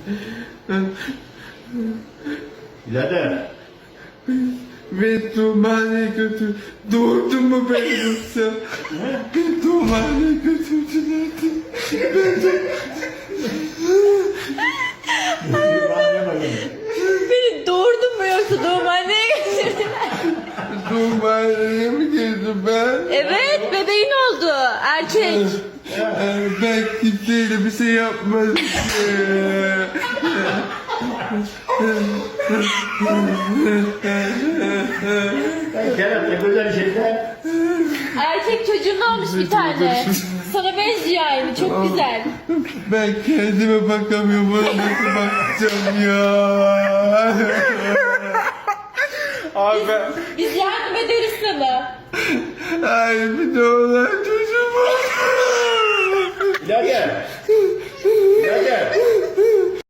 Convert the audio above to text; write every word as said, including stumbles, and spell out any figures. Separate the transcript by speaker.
Speaker 1: Birader.
Speaker 2: Beni doğumhaneye götür. Doğurdun mu beni yoksa? Beni doğumhaneye götürdüler. Ben de...
Speaker 3: Beni doğurdun mu yoksa doğumhaneye götürdüler?
Speaker 2: Doğumhaneye mi girdim ben?
Speaker 3: Evet, bebeğin oldu. Erkek.
Speaker 2: Ee, Ben kimseyle bir şey yapmadım.
Speaker 1: Kerem ne güzel şeyler.
Speaker 3: Erkek çocuğun olmuş bir tane. Sana benziyor aynı, çok güzel.
Speaker 2: Ben kendime bakamıyorum. Bana nasıl bakacağım ya? Abi ben...
Speaker 3: Biz yardım ederiz sana.
Speaker 2: Ay bir de olan çocuğum var.
Speaker 1: Birader.